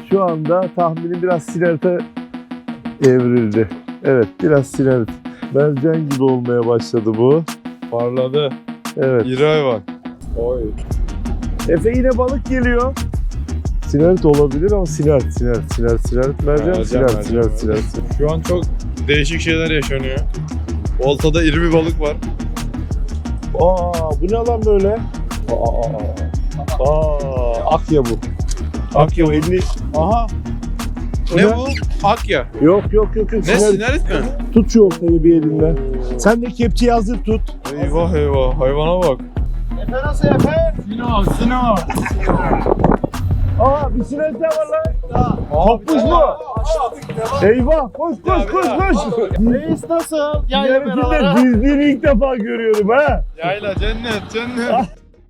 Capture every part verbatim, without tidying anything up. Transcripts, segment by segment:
şu anda tahminim biraz sinerte evrildi. Evet, biraz sinert. Mercan gibi olmaya başladı bu. Parladı. Evet. İri hayvan. Oy. Efe yine balık geliyor. Sinert olabilir ama sinert, sinert, sinert, sinert. Mercan, Mercan, sinert, mercan, sinert, mercan. sinert. Şu an çok değişik şeyler yaşanıyor. Oltada iri bir balık var. Aa, bu ne lan böyle? Aa, aa, aa, akya bu. Akya bu, elini... Aha. O Ne ne? bu? Akya. Yok yok yok. yok. Ne, Sinert. sinarit mi? Tut şu oltayı bir elinden. Sen de kepçeyi hazır tut. Eyvah eyvah, hayvana bak. Efe nasıl Efe? Sino, Sino. Aa, bir sinert daha var lan. Kopmuş mu? Eyvah, koş koş koş koş. Reis nasıl? Yayla Yarısında beraber. dizdiğini ilk defa görüyorum ha. Yayla, cennet, cennet.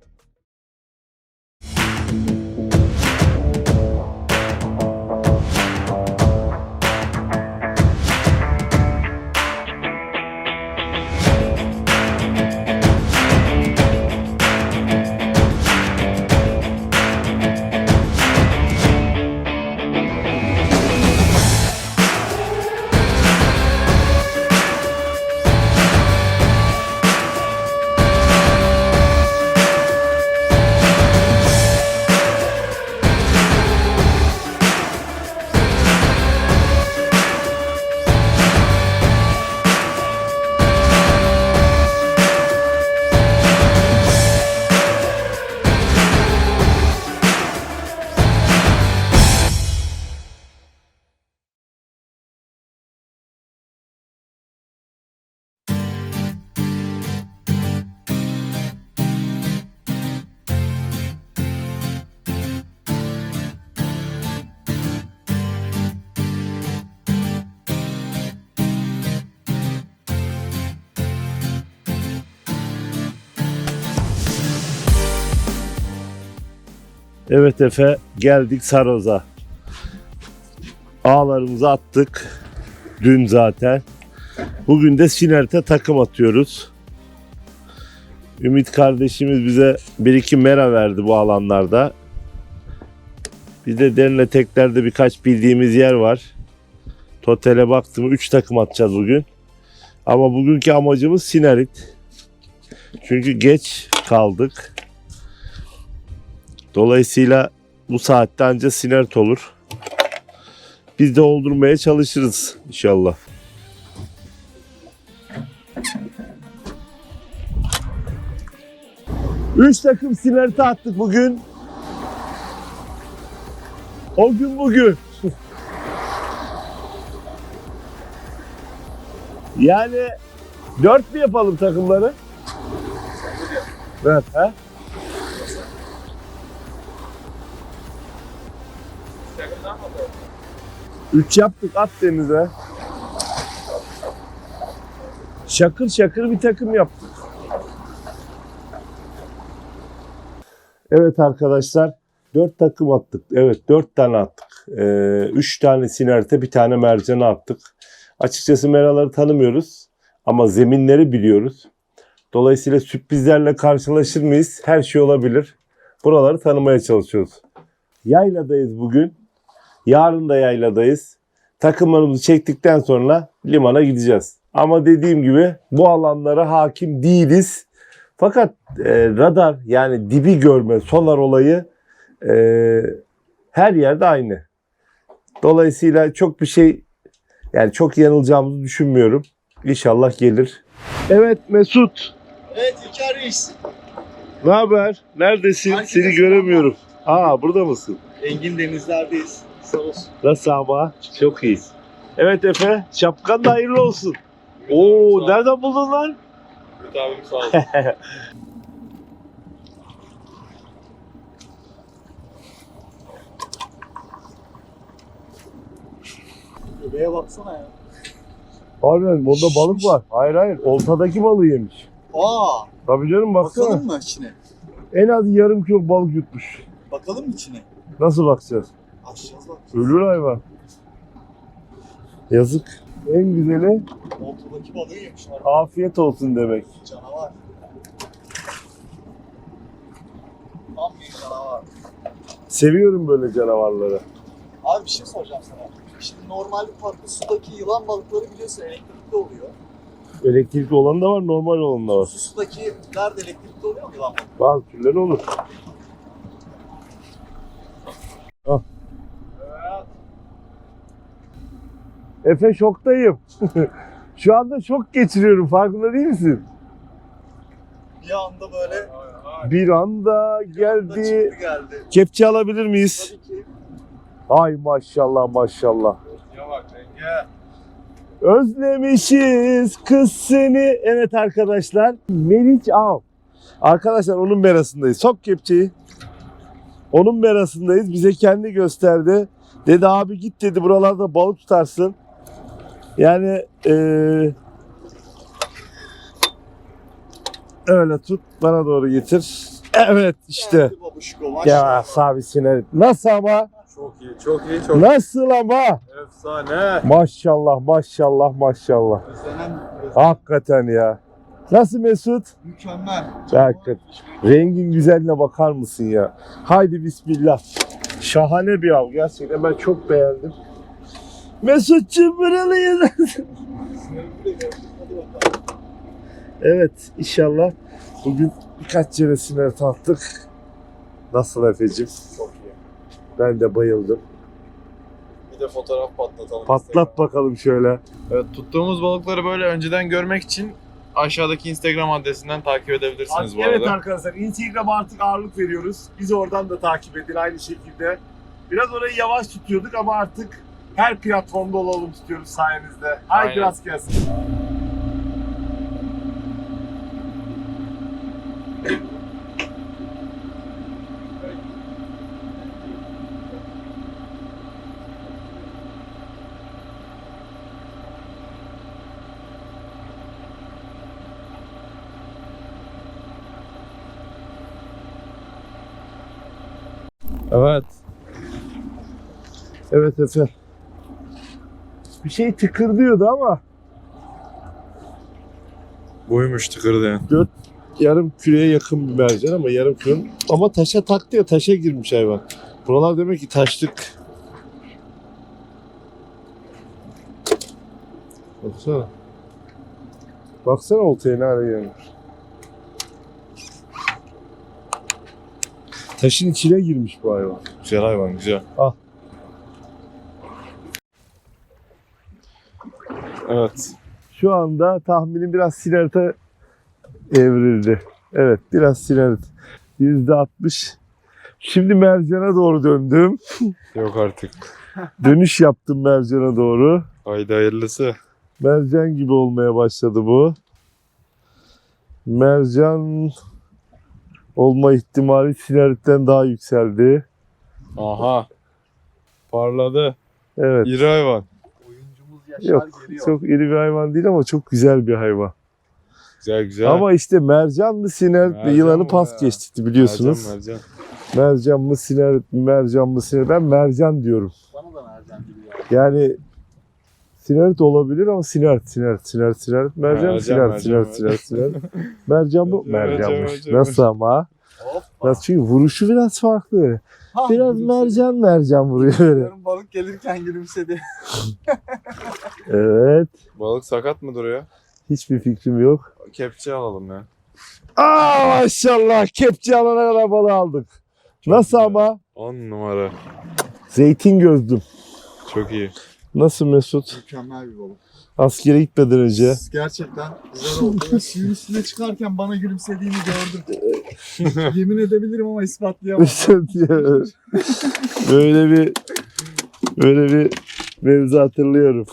Evet Efe, geldik Saroz'a. Ağlarımızı attık. Dün zaten. Bugün de Sinert'e takım atıyoruz. Ümit kardeşimiz bize bir iki mera verdi bu alanlarda. Bir de derine teklerde birkaç bildiğimiz yer var. Totale baktım üç takım atacağız bugün. Ama bugünkü amacımız Sinerit. Çünkü geç kaldık. Dolayısıyla bu saatte anca Sinert olur. Biz de oldurmaya çalışırız inşallah. Üç takım Sinert'e attık bugün. O gün bugün. Yani dört mü yapalım takımları? Evet. He? Üç yaptık, at denize. Şakır şakır bir takım yaptık. Evet arkadaşlar, dört takım attık. Evet, dört tane attık. Ee, üç tane sinerte, bir tane mercana attık. Açıkçası meraları tanımıyoruz ama zeminleri biliyoruz. Dolayısıyla sürprizlerle karşılaşır mıyız? Her şey olabilir. Buraları tanımaya çalışıyoruz. Yayladayız bugün. Yarın da yayladayız. Takımlarımızı çektikten sonra limana gideceğiz. Ama dediğim gibi bu alanlara hakim değiliz. Fakat e, radar yani dibi görme, sonar olayı e, her yerde aynı. Dolayısıyla çok bir şey yani çok yanılacağımızı düşünmüyorum. İnşallah gelir. Evet Mesut. Evet İlker Reis. Ne haber? Neredesin? Herkese Seni göremiyorum. Aa burada mısın? Engin denizlerdeyiz. Sağ olsun. Nasıl ama? Çok iyi. Evet Efe, şapkan da hayırlı olsun. Oo, nereden buldun lan? Ümit abim sağ olsun. Göbeğe baksana ya. Harbiden bunda balık var. Hayır hayır, oltadaki balığı yemiş. Aa, Tabii canım baksana. bakalım mı içine? En az yarım kilo balık yutmuş. Bakalım mı içine? Nasıl bakacağız? Açacağız bak. Ölür hayvan. Yazık. En güzeli Ortadaki balığı yemişler. afiyet olsun demek. Canavar. Tam bir canavar. Seviyorum böyle canavarları. Abi bir şey soracağım sana. Şimdi normalde tatlı sudaki yılan balıkları biliyorsun elektrikli oluyor. Elektrikli olan da var, normal olan da var. Su sudakiler de elektrikli oluyor mu yılan balıkları? Bazı türleri olur. Ah. Efe şoktayım. Şu anda şok geçiriyorum. Farkında değil misin? Bir anda böyle Bir anda da geldi. çıktı geldi. Kepçe alabilir miyiz? Tabii ki. Ay maşallah maşallah. Ya bak Enge. Özlemişiz kız seni. Evet arkadaşlar. Meriç Av. Arkadaşlar onun merasındayız. Sok kepçeyi. Onun merasındayız. Bize kendi gösterdi. Dedi abi git dedi buralarda balık tutarsın. Yani eee öyle tut bana doğru getir. Evet işte. Geldi babuşko, maşallah. Ya sabisine. Nasıl ama? Çok iyi, çok iyi, çok Nasıl ama? efsane. Maşallah maşallah maşallah. Özlenen Hakikaten ya. Nasıl Mesut? mükemmel. Hakikaten. Rengin güzelliğine bakar mısın ya? Haydi bismillah. Şahane bir av. Gerçekten ben çok beğendim. Mesut'cum buralıyız. Evet inşallah bugün birkaç yere siner tattık. Nasıl Efe'cim? Çok iyi. Ben de bayıldım. Bir de fotoğraf patlatalım. Patlat bakalım şöyle. Evet, tuttuğumuz balıkları böyle önceden görmek için aşağıdaki Instagram adresinden takip edebilirsiniz bu Evet arada. arkadaşlar Instagram'a artık ağırlık veriyoruz. Bizi oradan da takip edin aynı şekilde. Biraz orayı yavaş tutuyorduk ama artık her platformda olalım istiyoruz sayenizde. Haydi Aynen. rast gelsin. Evet. Evet Efe. Bir şey tıkırdıyordu ama Buymuş tıkırdayan. yarım küreye yakın bir mercan ama yarım kürün. Ama taşa taktı ya, taşa girmiş hayvan. Buralar demek ki taşlık. Baksana. Baksana oltaya ne hale gelmiş. Taşın içine girmiş bu hayvan. Güzel hayvan, güzel. Al. Evet. Şu anda tahminim biraz sinerite evrildi. Evet biraz sinerite. yüzde altmış. Şimdi mercana doğru döndüm. Yok artık. Dönüş yaptım mercana doğru. Haydi hayırlısı. Mercan gibi olmaya başladı bu. Mercan olma ihtimali sineritten daha yükseldi. Aha. Parladı. Evet. İri hayvan. Oyuncumuz Yaşar Yok geliyor. çok iri bir hayvan değil ama çok güzel bir hayvan. Güzel güzel. Ama işte mercan mı sinerit mi Mercan yılanı bu pas ya. geçti biliyorsunuz. Mercan, mercan. Mercan mı sinerit mi mercan mı sinerit. Ben mercan diyorum. Bana da mercan gibi ya. Yani sinerit olabilir ama sinerit sinerit sinerit sinerit mercan Mercan, sinerit mercan, sinerit mercan. sinerit sinerit. Mercan bu Mercan, mercanmış. mercan, Nasıl ama? Hoppa. Nasıl çünkü vuruşu biraz farklı. Ha, Biraz gülümsedi. mercan mercan vuruyor böyle. Yarın balık gelirken gülümsedi. Evet. Balık sakat mı duruyor? Hiçbir fikrim yok. Kepçe alalım ya. Aa maşallah kepçe alana kadar balığı aldık. Nasıl güzel. ama? on numara. Zeytin gözdüm. Çok iyi. Nasıl Mesut? Mükemmel bir balık. Askere gitmeden önce. Gerçekten güzel oldu. Ya, suyun üstüne çıkarken bana gülümsediğini gördüm. Yemin edebilirim ama ispatlayamam. böyle bir böyle bir mevzu hatırlıyorum.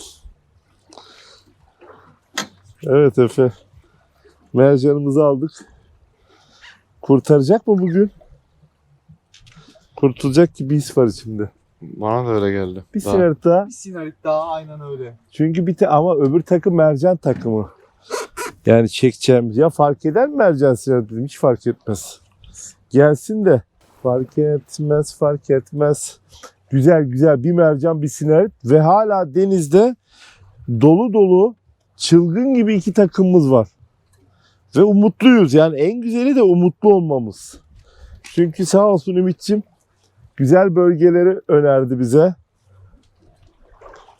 Evet Efe. Mercanımızı aldık. Kurtaracak mı bugün? Kurtulacak gibi his var içimde. Bana da öyle geldi. Bir Daha- siner daha. Bir sinarit daha aynen öyle. Çünkü bir te ama öbür takım mercan takımı. Yani çekeceğimiz ya fark eder mi mercan siner dedim hiç fark etmez. Gelsin de fark etmez fark etmez. Güzel güzel bir mercan bir siner ve hala denizde dolu dolu çılgın gibi iki takımımız var. Ve umutluyuz yani en güzeli de umutlu olmamız. Çünkü sağ olsun Ümit'ciğim güzel bölgeleri önerdi bize.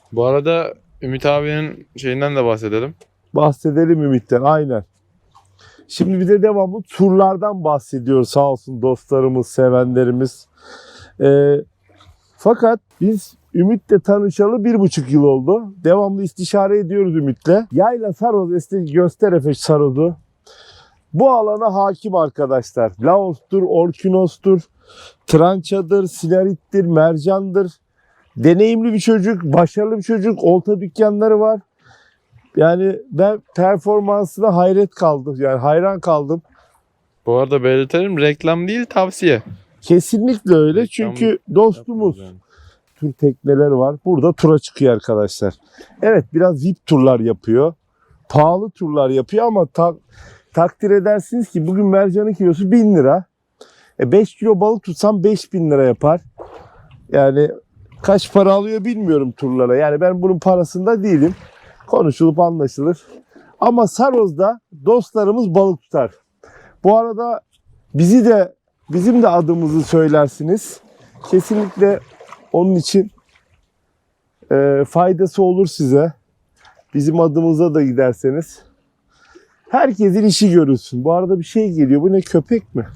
Bu arada Ümit abinin şeyinden de bahsedelim. Bahsedelim Ümit'ten, aynen. Şimdi bir de devamlı turlardan bahsediyor sağ olsun dostlarımız, sevenlerimiz. Ee, fakat biz Ümit'le tanışalı bir buçuk yıl oldu. Devamlı istişare ediyoruz Ümit'le. Yayla Saroz, eski Gösterefeş Saroz'u. Bu alana hakim arkadaşlar. Laos'tur, Orkinos'tur, Trançadır, Sinarit'tir, Mercan'dır. Deneyimli bir çocuk, başarılı bir çocuk. Olta dükkanları var. Yani ben performansına hayret kaldım. Yani hayran kaldım. Bu arada belirtelim, reklam değil, tavsiye. Kesinlikle öyle. Reklam Çünkü dostumuz. Yani. Tur tekneler var. Burada tura çıkıyor arkadaşlar. Evet, biraz V I P turlar yapıyor. Pahalı turlar yapıyor ama ta- takdir edersiniz ki bugün mercanın kilosu bin lira. E beş kilo balık tutsam beş bin lira yapar. Yani kaç para alıyor bilmiyorum turlara. Yani ben bunun parasında değilim. Konuşulup anlaşılır. Ama Saroz'da dostlarımız balık tutar. Bu arada bizi de, bizim de adımızı söylersiniz. Kesinlikle onun için e, faydası olur size. Bizim adımıza da giderseniz. Herkesin işi görülsün. Bu arada bir şey geliyor. Bu ne, köpek mi?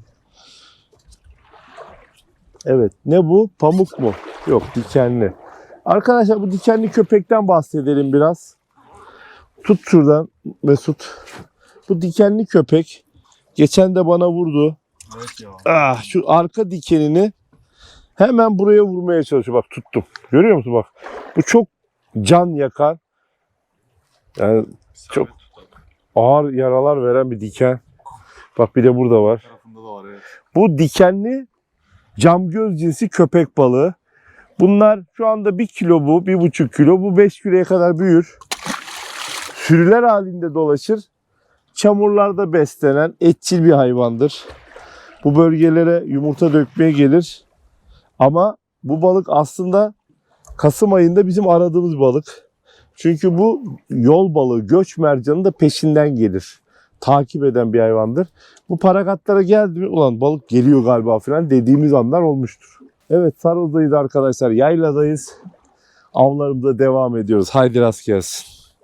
Evet. Ne bu? Pamuk mu? Yok, dikenli. Arkadaşlar bu dikenli köpekten bahsedelim biraz. Tut şuradan Mesut. Bu dikenli köpek geçen de bana vurdu. Evet ya. Ah, şu arka dikenini hemen buraya vurmaya çalışıyor. Bak tuttum. Görüyor musun bak. Bu çok can yakan. Yani çok ağır yaralar veren bir diken. Bak bir de burada var. Tarafında da var, evet. Bu dikenli camgöz cinsi köpek balığı. Bunlar şu anda bir kilo bu, bir buçuk kilo. Bu beş kiloya kadar büyür. Sürüler halinde dolaşır. Çamurlarda beslenen etçil bir hayvandır. Bu bölgelere yumurta dökmeye gelir. Ama bu balık aslında Kasım ayında bizim aradığımız balık. Çünkü bu yol balığı, göç mercanı da peşinden gelir. Takip eden bir hayvandır. Bu parakatlara geldi mi, ulan balık geliyor galiba falan dediğimiz anlar olmuştur. Evet, Saroz'dayız arkadaşlar. Yayladayız. Avlarımıza devam ediyoruz. Haydi rast gelsin.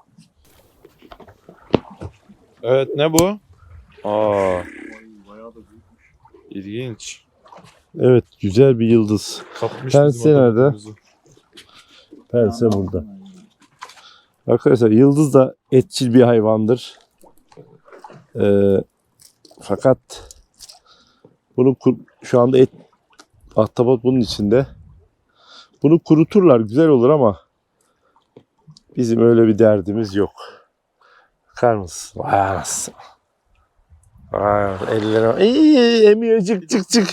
Evet, ne bu? Aa, Ay, bayağı da büyükmüş. ilginç. Evet, güzel bir yıldız. Kapmış Pense bizim nerede? adamımızı. Pense burada. Arkadaşlar yıldız da etçil bir hayvandır. Ee, fakat bunu kur- şu anda et ahtapot bunun içinde. Bunu kuruturlar, güzel olur ama bizim öyle bir derdimiz yok. Bakar mısın? Vay anasını. Vay anasını. Ellerine İyi, emiyor, çık çık çık.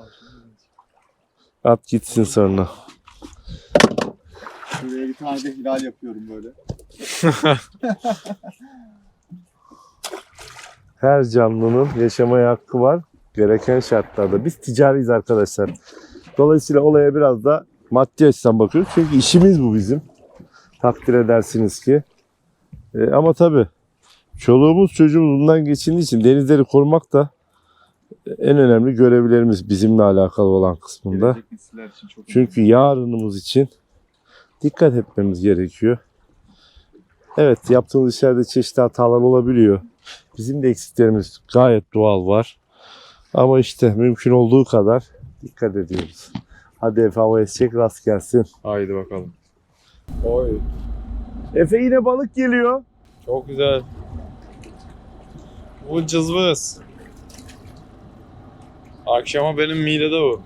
At gitsin sonra. Şuraya bir tane de hilal yapıyorum böyle. Her canlının yaşamaya hakkı var. Gereken şartlarda. Biz ticariyiz arkadaşlar. Dolayısıyla olaya biraz da maddi açıdan bakıyoruz. Çünkü işimiz bu bizim. Takdir edersiniz ki. E, ama tabii çoluğumuz çocuğumuz bundan geçindiği için denizleri korumak da en önemli görevlerimiz bizimle alakalı olan kısmında. Gelecek nesiller için çok Çünkü yarınımız için dikkat etmemiz gerekiyor. Evet, yaptığımız işlerde çeşitli hatalar olabiliyor. Bizim de eksiklerimiz gayet doğal var. Ama işte mümkün olduğu kadar dikkat ediyoruz. Hadi Efe havaya çek, rast gelsin. Haydi bakalım. Oy, Efe yine balık geliyor. çok güzel. Bu cızvız. Akşama benim midede bu.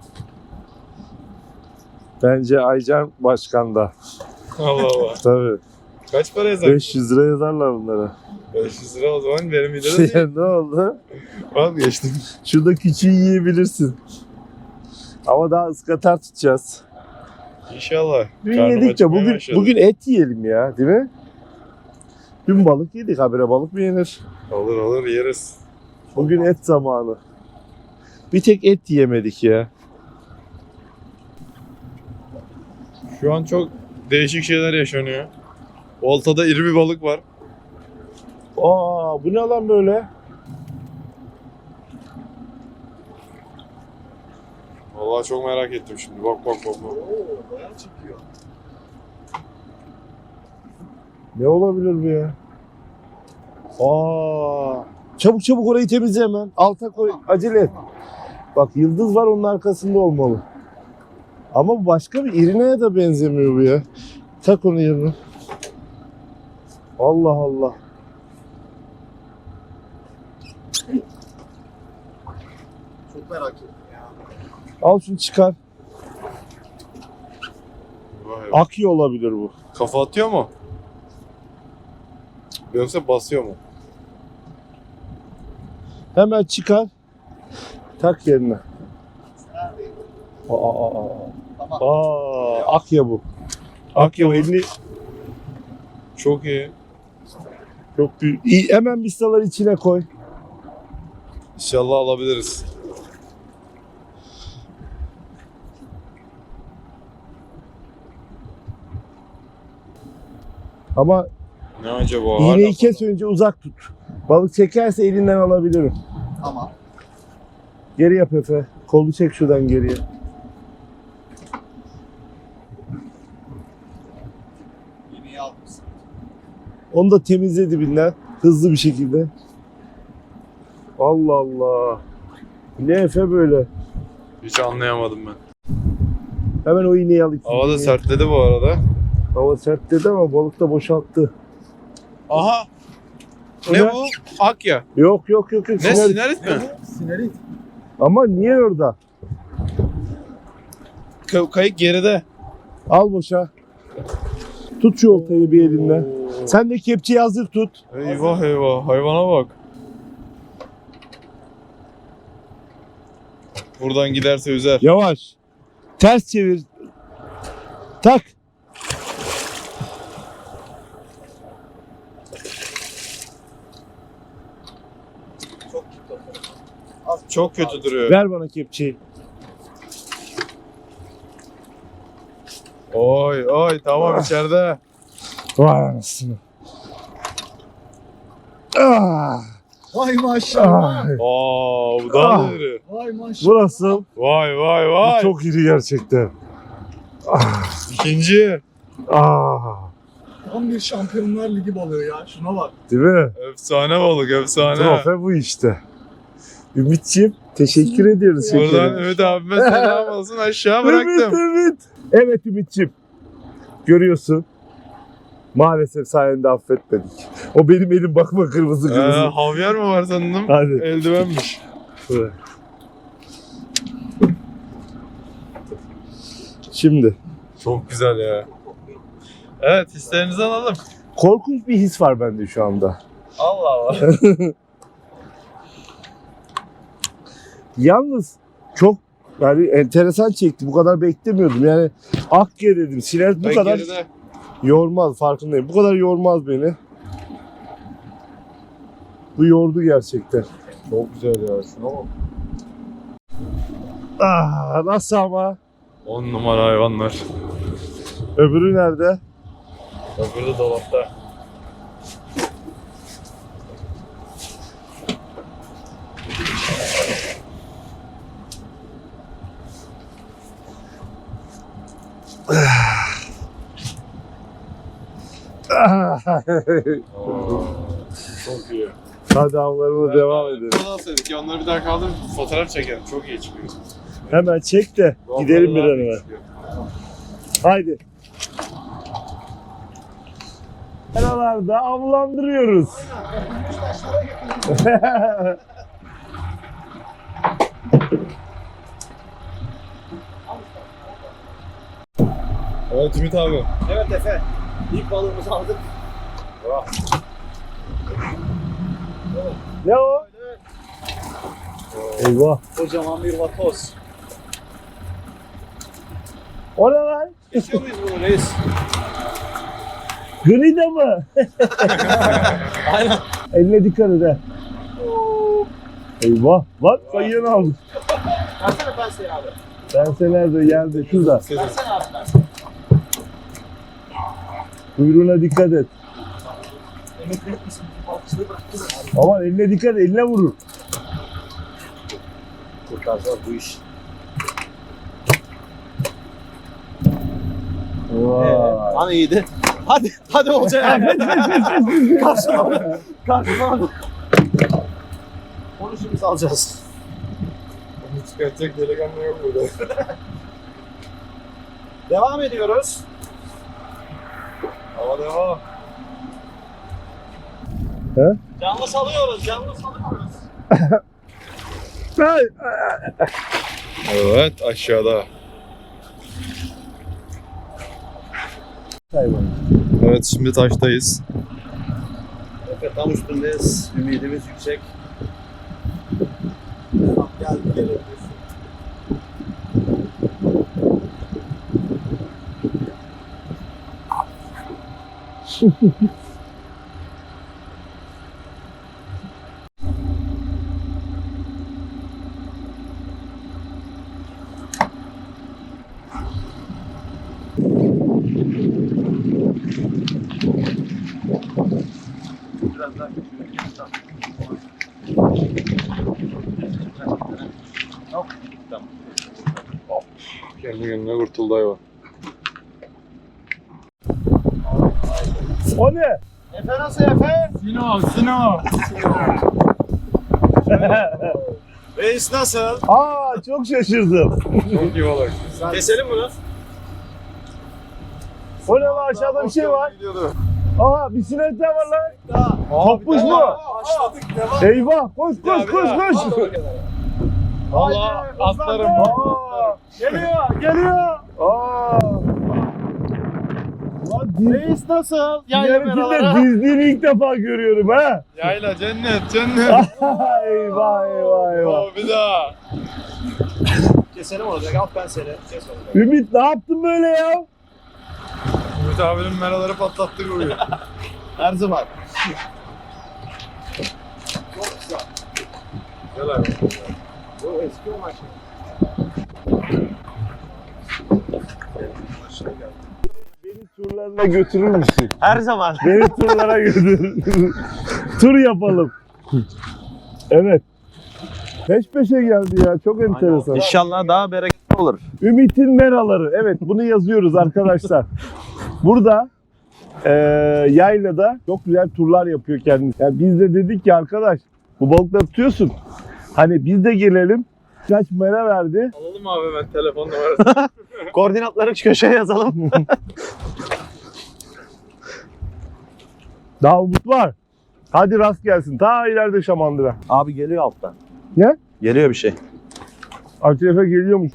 Bence Aycan Başkan'da. Allah Allah. Tabii. Kaç para yazar? beş yüz lira yazarlar bunlara. beş yüz lira o zaman benim midede değil. Şey, ne oldu? Vazgeçtim. Şurada küçüğü yiyebilirsin. Ama daha ıskatar tutacağız. İnşallah. Dün Karnım yedik de acıkmaya bugün, başladı. bugün et yiyelim ya, değil mi? Dün balık yedik, habire balık mı yenir? Olur olur yeriz. Bugün et zamanı. Bir tek et yiyemedik ya. Şu an çok değişik şeyler yaşanıyor. Oltada iri bir balık var. Aa, bu ne lan böyle? Vallahi çok merak ettim şimdi. Bak bak bak bak. Oo, bayağı çekiyor. Ne olabilir bu ya? Aa! Çabuk çabuk orayı temizle hemen. Alta koy. Acele et. Bak yıldız var onun arkasında olmalı. Ama bu başka bir irineye de benzemiyor bu ya. Tak onu yerine. Allah Allah. Çok merak ettim ya. Al şunu çıkar. Vay be. Akıyor olabilir bu. Kafa atıyor mu? Yoksa basıyor mu? Hemen çıkar. Tak yerine. Aa, aa, aa. Tamam. Aa, Akya bu. Akya bu. Elini Çok iyi. çok büyük. İyi, hemen bistaları içine koy. İnşallah alabiliriz. Ama Ne acaba? iğneyi Hala kes önce uzak tut. Balık çekerse elinden alabilirim. Tamam. Geri yap Efe. Kolu çek şuradan geriye. Yemeği almışsın. Onu da temizle dibinden. Hızlı bir şekilde. Allah Allah. Ne Efe böyle? hiç anlayamadım ben. Hemen o iğneyi al. Hava da sertledi bu arada. Hava sert dedi ama balık da boşalttı. Aha! O Ne ne? bu? Akya. Yok yok yok. yok. Ne Siner- sinarit mi? Sinerit. Ama niye orada? Ka- kayık geride. Al boşa. Tut şu oltayı bir elinle. Sen de kepçeyi hazır tut. Eyvah eyvah hayvana bak. Buradan giderse üzer. Yavaş. Ters çevir. Tak. Çok kötü. Çok kötü duruyor. Ver bana kepçeyi. Oy oy tamam içeride. Vay anasını. Ah, Vay maşallah. ah. Aa bu daha Ah. da iri. Vay maşallah. Bu nasıl? Vay vay Bu vay. çok iri gerçekten. Ah, İkinci. ah. Tam bir Şampiyonlar Ligi balığı ya. Şuna bak. Değil mi? Efsane balık efsane. Trofe bu işte. Ümitciğim teşekkür ediyoruz. Buradan şekerim. Ümit abime selam olsun aşağı Evet, bıraktım. evet. Evet Ümitciğim. Görüyorsun. Maalesef sayende affetmedik. O benim elim bakma kırmızı Ee, kırmızı. havyar mı var sandım? Hadi. Eldivenmiş. Bırak. Şimdi. Çok güzel ya. Evet hislerinizi alalım. Korkunç bir his var bende şu anda. Allah Allah. Yalnız çok yani enteresan çekti. Bu kadar beklemiyordum. Yani Akya dedim. Sinet bu Ben kadar geride. yormaz. Farkındayım. Bu kadar yormaz beni. Bu yordu gerçekten. Çok güzel ya şuna bak. Ah, nasıl ama? On numara hayvanlar. Öbürü nerede? Öbürü de dolapta. Ah. Oo, çok iyi. Hadi avlarına devam edelim. Burada alsaydık ya onları bir daha kaldır fotoğraf çekelim. Çok iyi çıkıyor. Hemen çek de gidelim bir an evvel. Haydi. Aralarda avlandırıyoruz. Evet Ümit abi. Evet Efe. İlk balığımızı aldık. Ne o? Eyvah. Kocaman bir vatoz. O ne lan? Kesiyor muyuz bunu reis? Grida mı? Aynen. Eline dikkat et he. Eyvah. Bak kayığını aldık. Versene penseyi abi. Pense nerede? Yerde. Şurada. Versene abi penseyi. Kuyruğuna dikkat et. Emekli etmesin. Balıkçılığı bıraktı da abi. Aman eline dikkat et. Eline vurur. Kurtaracağız bu iş. Vay. Hani iyiydi? Hadi, hadi Olcay abi. Karşıma. Karşıma. Onu şimdi alacağız. Onu çıkartacak delikanlı yok burada. Devam ediyoruz. Hava devam. Canlı salıyoruz, canlı salıyoruz. Evet aşağıda. Evet şimdi taştayız. Efe tam üstündeyiz. Ümidimiz yüksek. Tamam geldi gelebilirsin. Biraz daha Kendi kendine kurtuldu hayvan. O ne? Efe nasıl Efe? Sino, Sino. Reis nasıl? Aa çok şaşırdım. Çok iyi balık. Keselim bunu. O ne lan, aşağıda bir şey var. Gidiyordu. Aha bir sineğe var lan. Daha. Kopmuş mu? Başladık devam. Eyvah koş koş koş koş. Valla atlarım. Aa, geliyor geliyor. Aa. Lan diz, Reis nasıl? Yayla diğerinde meralara. dizdiğini ilk defa görüyorum ha. Yayla cennet cennet. eyvah eyvah eyvah. Oo, bir daha. Keselim olacak. Al ben seni. Kes onu. Ümit ne yaptın böyle ya? Ümit abinin meraları patlattı kuruyor. Her zaman. Gel abi. Bu eski o maç. Beni turlarına götürür müsün? Her zaman. Beni turlara götür. Tur yapalım. Evet. Peş peşe geldi ya. Çok enteresan. İnşallah daha bereketli olur. Ümit'in meraları. Evet bunu yazıyoruz arkadaşlar. Burada eee yaylada çok güzel turlar yapıyor kendisi. Yani biz de dedik ki arkadaş bu balıkları tutuyorsun. Hani biz de gelelim. Kaç mera verdi. Alalım abi ben telefon numarası. Koordinatları şu köşeye yazalım. Daha umut var. Hadi rast gelsin. Ta ileride Şamandıra. Abi geliyor alttan. Ne? Geliyor bir şey. Akrefe geliyormuş.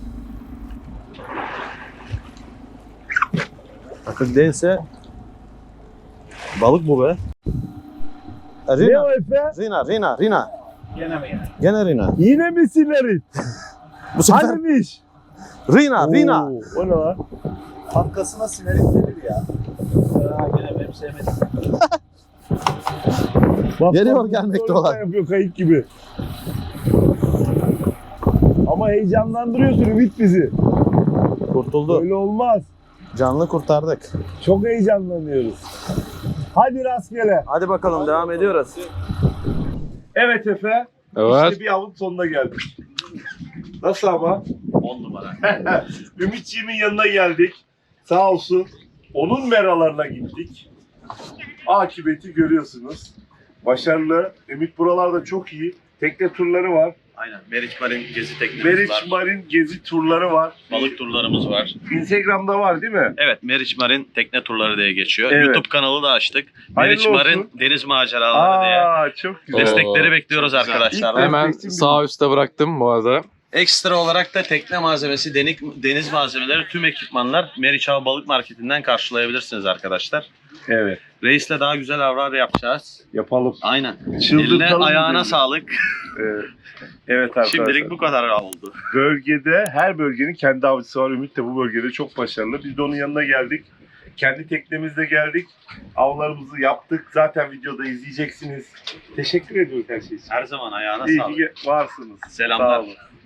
Akıl değilse balık bu be. Ne Rina. o Efe? Rina, Rina, Rina. Gene mi gene? Gene Rina. Yine mi silerin? Bu sefer Hanimiş? Rina, Rina. Oo, o ne lan? Arkasına sinerik gelir ya. Ya gene benim sevmedim. Bak, Geliyor bak, gelmekte sonra olan. Yapıyor kayık gibi. Ama heyecanlandırıyorsun Ümit bizi. Kurtuldu. Öyle olmaz. Canlı kurtardık. Çok heyecanlanıyoruz. Hadi rastgele. Hadi bakalım devam ediyoruz. Evet Efe. Evet. İşte bir avın sonuna geldik. Nasıl ama? on numara. Ümitçiğimin yanına geldik. Sağ olsun. Onun meralarına gittik. Akıbeti görüyorsunuz. Başarılı. Ümit buralarda çok iyi. Tekne turları var. Aynen. Meriç Marin gezi teknemiz Meriç var. Marin gezi turları var. Balık turlarımız var. Instagram'da var değil mi? Evet, Meriç Marin tekne turları diye geçiyor. Evet. YouTube kanalı da açtık. Hayırlı Meriç Marin olsun. deniz maceraları diye. Aa çok güzel. Destekleri Oo, bekliyoruz çok güzel. arkadaşlar. Hemen sağ üstte bıraktım bu arada. Ekstra olarak da tekne malzemesi, denik, deniz malzemeleri, tüm ekipmanlar Meriç Hava Balık Marketi'nden karşılayabilirsiniz arkadaşlar. Evet. Reis'le daha güzel avlar yapacağız. Yapalım. Aynen. Çıldırtalım Eline ayağına dedim. sağlık. Evet. Evet arkadaşlar. Şimdilik bu kadar oldu. Bölgede her bölgenin kendi avcısı var. Ümit de bu bölgede çok başarılı. Biz de onun yanına geldik. Kendi teknemizle geldik. Avlarımızı yaptık. Zaten videoda izleyeceksiniz. Teşekkür ediyoruz her şey için. Her zaman ayağına İyi sağlık. ki varsınız. Selamlar. Sağ olun.